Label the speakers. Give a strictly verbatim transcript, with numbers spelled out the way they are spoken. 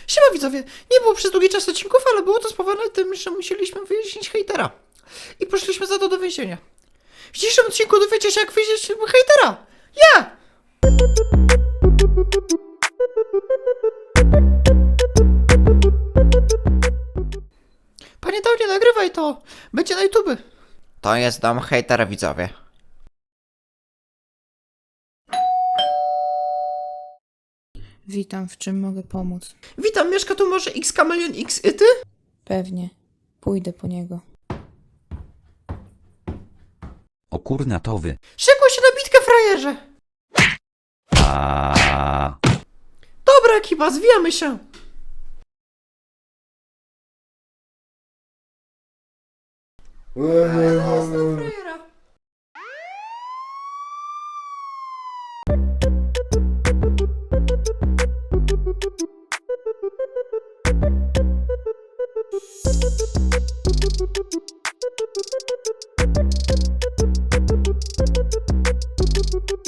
Speaker 1: Siema widzowie, nie było przez długi czas odcinków, ale było to spowodowane tym, że musieliśmy wyjaśnić hejtera. I poszliśmy za to do więzienia. W dzisiejszym odcinku dowiecie się, jak wyjść hejtera. Ja! Panie Downie, nagrywaj to! Będzie na YouTube. To jest dom hejtera, widzowie.
Speaker 2: Witam, w czym mogę pomóc?
Speaker 1: Witam, mieszka tu może X Kameleon X i ty?
Speaker 2: Pewnie. Pójdę po niego.
Speaker 3: O kurna to wy.
Speaker 1: Szykuj się na bitkę, frajerze!
Speaker 3: A
Speaker 1: Dobra ekipa, zwijamy się! Frajera.